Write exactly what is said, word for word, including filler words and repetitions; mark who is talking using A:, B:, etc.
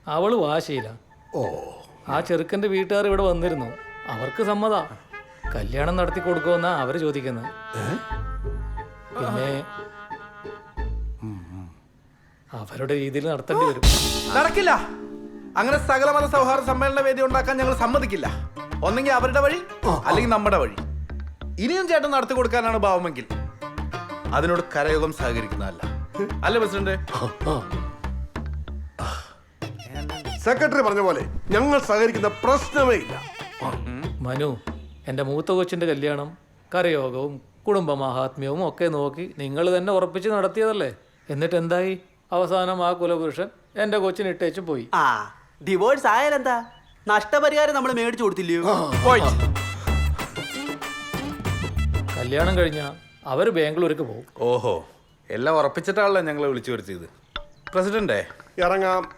A: അവള് വാശിയില്ല.
B: ഓ,
A: ആ ചെറുക്കൻ്റെ വീട്ടുകാർ ഇവിടെ വന്നിരുന്നു. അവർക്ക് സമ്മത. കല്യാണം നടത്തി കൊടുക്കുമെന്നാ അവര് ചോദിക്കുന്നത്. പിന്നെ അവരുടെ രീതിയിൽ നടത്തേണ്ടി വരും.
C: നടക്കില്ല. അങ്ങനെ സകലമത സൗഹാർദ്ദ സമ്മേളന വേദി ഉണ്ടാക്കാൻ ഞങ്ങൾ സമ്മതിക്കില്ല. ഒന്നെങ്കിൽ അവരുടെ വഴി, അല്ലെങ്കിൽ നമ്മുടെ വഴി. ഇനിയും ചേട്ടൻ നടത്തി കൊടുക്കാനാണ് ഭാവമെങ്കിൽ അതിനോട് കരയോഗം സഹകരിക്കുന്നതല്ല. അല്ലേ പ്രസിഡന്റ്?
B: സെക്രട്ടറി പറഞ്ഞ പോലെ ഞങ്ങൾ സഹകരിക്കുന്ന പ്രശ്നമേ ഇല്ല.
A: മനു, എൻ്റെ മൂത്ത കൊച്ചിൻ്റെ കല്യാണം കരയോഗവും കുടുംബ മഹാത്മ്യവും ഒക്കെ നോക്കി നിങ്ങൾ തന്നെ ഉറപ്പിച്ച് നടത്തിയതല്ലേ? എന്നിട്ട് എന്തായി? അവസാനം ആ കുലപുരുഷൻ എൻ്റെ കൊച്ചിന് ഇട്ടേച്ച് പോയി.
D: ആ ഡിവോഴ്സ് ആയാലെന്താ? നഷ്ടപരിഹാരം നമ്മൾ മേടിച്ചു കൊടുത്തില്ലയോ?
A: കല്യാണം കഴിഞ്ഞാൽ അവർ ബാംഗ്ലൂർക്ക് പോകും.
C: ഓഹോ, എല്ലാം ഉറപ്പിച്ചിട്ടാണല്ലോ ഞങ്ങളെ വിളിച്ചു വരുത്തിയത്. പ്രസിഡന്റേ,
B: ഇറങ്ങാം.